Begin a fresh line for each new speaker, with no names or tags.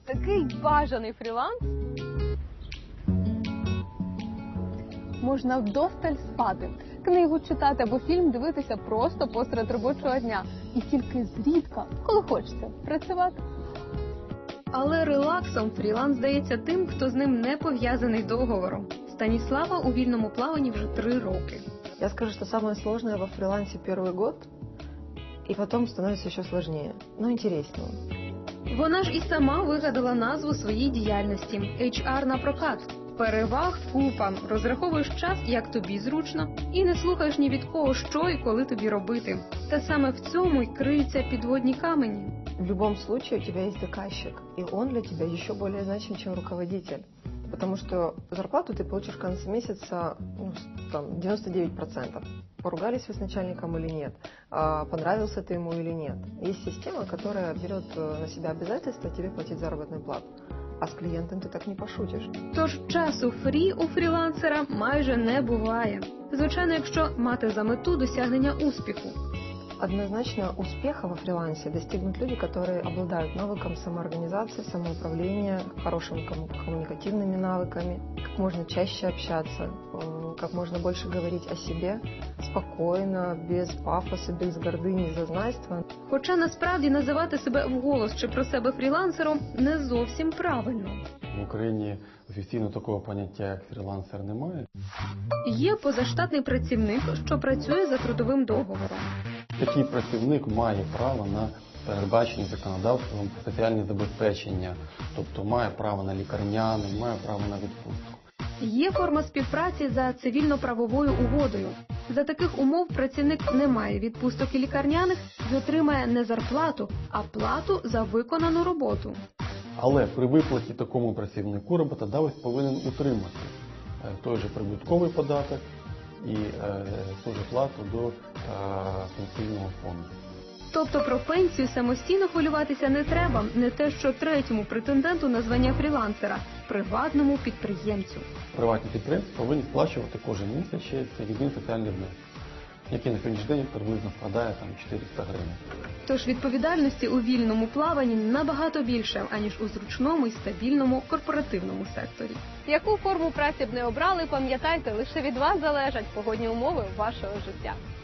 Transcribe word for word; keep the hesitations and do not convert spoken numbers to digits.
Такий бажаний фріланс. Можна вдосталь спати, книгу читати або фільм дивитися просто посеред робочого дня. І тільки зрідка, коли хочеться, працювати. Але релаксом фріланс здається тим, хто з ним не пов'язаний договором. Станіслава у вільному плаванні вже три роки.
Я скажу, что самое сложное во фрилансе первый год, и потом становится еще сложнее, но интереснее.
Вона ж і сама вигадала назву своїй діяльності – ейч ар на прокат. Переваг купа, розраховуєш час, як тобі зручно, і не слухаєш ні від кого, що і коли тобі робити. Та саме в цьому й криються підводні камені.
В любом случае у тебя есть заказчик, и он для тебя еще более значим, чем руководитель. Потому что зарплату ты получишь в конце месяца, ну, там, девяносто девять процентов. Поругались вы с начальником или нет, а понравился ты ему или нет. Есть система, которая берет на себя обязательство тебе платить заработную плату. А з клієнтом ти так не пошутиш.
Тож часу фрі у фрілансера майже не буває. Звичайно, якщо мати за мету досягнення успіху.
Однозначно успеха во фрилансе достигнут люди, которые обладают навыком самоорганизации, самоуправления, хорошими коммуникативными навыками, как можно чаще общаться, как можно больше говорить о себе, спокойно, без пафоса, без гордыни, зазнайства.
Хоча насправді називати себе вголос чи про себе фрілансером не зовсім правильно.
В Україні офіційно такого поняття, як фрілансер, немає.
Є позаштатний працівник, що працює за трудовим договором.
Такий працівник має право на передбачені законодавством соціальні забезпечення, тобто має право на лікарняний, має право на відпустку.
Є форма співпраці за цивільно-правовою угодою. За таких умов працівник не має відпусток і лікарняних і отримає не зарплату, а плату за виконану роботу.
Але при виплаті такому працівнику роботодавець повинен утримати той же прибутковий податок і е, ту же плату до е, пенсійного фонду.
Тобто про пенсію самостійно хвилюватися не треба, не те що третьому претенденту на звання фрілансера – приватному підприємцю.
Приватні підприємці повинні сплачувати кожен місяць ще це єдиний соціальний внесок, який на сьогоднішній день приблизно складає там чотириста гривень.
Тож відповідальності у вільному плаванні набагато більше, аніж у зручному і стабільному корпоративному секторі. Яку форму праці б не обрали, пам'ятайте, лише від вас залежать погодні умови вашого життя.